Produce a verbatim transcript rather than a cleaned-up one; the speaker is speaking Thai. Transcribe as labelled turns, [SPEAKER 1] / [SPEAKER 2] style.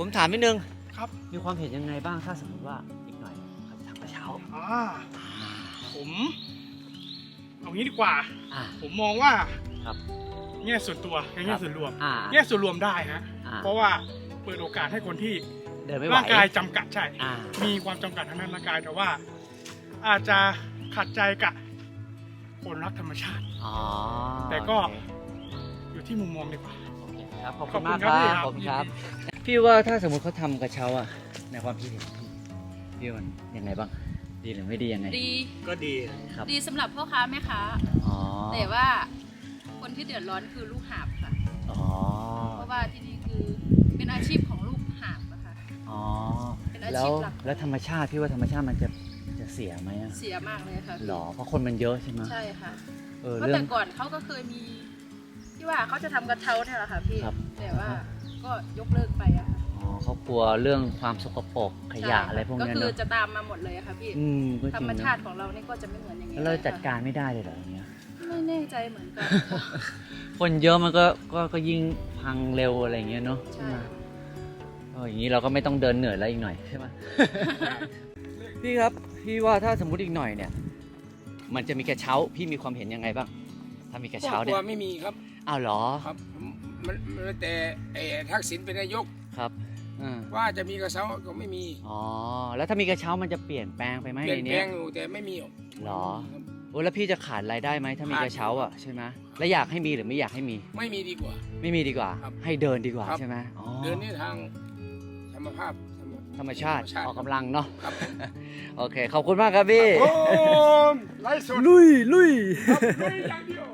[SPEAKER 1] ผมถามนิดนึง
[SPEAKER 2] ครับ
[SPEAKER 1] มีความเห็นยังไงบ้างถ้าสมมติว่าอีกหน่อยเขาจะทำกระเช้า
[SPEAKER 2] อ่าผมเอางี้ดีกว่า
[SPEAKER 1] อ่า
[SPEAKER 2] ผมมองว่า
[SPEAKER 1] ครับ
[SPEAKER 2] แง่ส่วนตัวกับแง่ส่วนรวม
[SPEAKER 1] อ่า
[SPEAKER 2] แง่ส่วนรวมได้ฮะ
[SPEAKER 1] อ่า
[SPEAKER 2] เพราะว่าเปิดโอกาสให้คนที่
[SPEAKER 1] เดินไม่ไหว
[SPEAKER 2] ร่างกายจำกัดใช่
[SPEAKER 1] อ่า
[SPEAKER 2] มีความจำกัดทางด้านร่างกายแต่ว่า อาจจะขัดใจกับคนรักธรรมชาติ
[SPEAKER 1] อ๋อ
[SPEAKER 2] แต่ก็
[SPEAKER 1] โอเค
[SPEAKER 2] อยู่ที่มุมมองดีกว่า
[SPEAKER 1] โอเคครับขอบ
[SPEAKER 2] ข
[SPEAKER 1] คุ
[SPEAKER 2] อบ
[SPEAKER 1] ณ
[SPEAKER 2] คุณ
[SPEAKER 1] มาก
[SPEAKER 2] ค
[SPEAKER 1] ค
[SPEAKER 2] รั
[SPEAKER 1] รั
[SPEAKER 2] บบ พี่ครับ
[SPEAKER 1] ผมครับพี่ว่าถ้าสมมติเขาทำกระเช้าอ่ะในความคิดเห็นพี่พี่ว่ามันยังไงบ้างดีหรือไม่ดียังไง
[SPEAKER 3] ดี
[SPEAKER 2] ก็ดี
[SPEAKER 1] ครับ
[SPEAKER 3] ดีสำหรับพ่อค้าแม่ค้า
[SPEAKER 1] อ๋อ
[SPEAKER 3] แต่ว่าคนที่เดือดร้อนคือลูกหาบค่ะ
[SPEAKER 1] อ๋อ
[SPEAKER 3] เพราะว่าที่นี่คือเป็นอาชีพของลูกหาบอะค่ะ
[SPEAKER 1] อ๋อ
[SPEAKER 3] เป็นอาชีพ
[SPEAKER 1] แล้ว
[SPEAKER 3] หลัก
[SPEAKER 1] แล้วธรรมชาติพี่ว่าธรรมชาติมันจะจะเสียไหมอ่ะ
[SPEAKER 3] เสียมากเลยค่ะ
[SPEAKER 1] หรอเพราะคนมันเยอะใช่ไหม
[SPEAKER 3] ใช่ค่ะ
[SPEAKER 1] เออ
[SPEAKER 3] เพราะ
[SPEAKER 1] เรื่อ
[SPEAKER 3] แต่
[SPEAKER 1] ง
[SPEAKER 3] ก่อนเขาก็เคยมี ที่ว่าเขาจะทำกระเช้าเนี่ยแหละค่ะพี่
[SPEAKER 1] ครับ
[SPEAKER 3] แต่ว่าก็ยกเลิกไปอะค่ะ
[SPEAKER 1] อ๋อเขากลัวเรื่องความสกปรกขยะ
[SPEAKER 3] ใช่ค่
[SPEAKER 1] อะไรพวก
[SPEAKER 3] ก็
[SPEAKER 1] เนี้ย
[SPEAKER 3] คือ
[SPEAKER 1] เนอะ
[SPEAKER 3] จะตามมาหมดเลยอะค่ะพี่
[SPEAKER 1] อืมก็จ
[SPEAKER 3] ธร
[SPEAKER 1] ริง
[SPEAKER 3] รม
[SPEAKER 1] นะ
[SPEAKER 3] ชาติของเรานี่ก็จะไม่เหมือนอย่างนี้
[SPEAKER 1] แล้วเรา
[SPEAKER 3] ลยค่ะ
[SPEAKER 1] จัดการไม่ได้เลยเหรออย่างเงี้ย
[SPEAKER 3] ไม่แน่ใจเหมือนกัน
[SPEAKER 1] คนเยอะมันก็ก็ก็ยิ่งพังเร็วอะไรอย่างเงี้ยเนาะ
[SPEAKER 3] ใช่
[SPEAKER 1] ไหมเอออย่างนี้เราก็ไม่ต้องเดินเหนื่อยแล้วอีกหน่อยใช่ไหม พี่ครับพี่ว่าถ้าสมมุติอีกหน่อยเนี่ย มันจะมีกระเช้าพี่มีความเห็นยังไงบ้าง ถ้ามีกระเช้า
[SPEAKER 4] ครอบค
[SPEAKER 1] เนี่
[SPEAKER 4] รัวย ไม่มีครับ
[SPEAKER 1] อ้าวเหรอ
[SPEAKER 4] ครับมันมันแต่ไอ้ทักษิณเป็นนายก
[SPEAKER 1] ครับอ่า
[SPEAKER 4] ว่าจะมีกระเช้าก็ไม่มี
[SPEAKER 1] อ๋อแล้วถ้ามีกระเช้ามันจะเปลี่ยนแปลงไปไหม
[SPEAKER 4] เปลี่ย
[SPEAKER 1] ใน
[SPEAKER 4] นแปล
[SPEAKER 1] เนี้ย
[SPEAKER 4] งอยู่แต่ไม่มีหรอก
[SPEAKER 1] เหรอ
[SPEAKER 4] ครับ
[SPEAKER 1] โอ้แล้วพี่จะขาดรายได้ไหมถ้ามีกระเช้าอ่ะใช่ไหมแล้วอยากให้มีหรือไม่อยากให้มี
[SPEAKER 4] ไม่มีดีกว่า
[SPEAKER 1] ไม่มีดีกว่า
[SPEAKER 4] ครับ
[SPEAKER 1] ให้เดินดีกว่า
[SPEAKER 4] ครับ
[SPEAKER 1] ใช่ไหมอ๋อ
[SPEAKER 4] เดินนี่ทางธรรมภาพ
[SPEAKER 1] ธรรมชาติ
[SPEAKER 4] ธรรมชาติ
[SPEAKER 1] ออกกำลังเนาะ
[SPEAKER 4] ครับผม
[SPEAKER 1] โอเค ขอบคุณมากครับพี่
[SPEAKER 4] โอ้มไล่สด
[SPEAKER 1] ลุยลุย
[SPEAKER 4] ไม่อย่างเดียว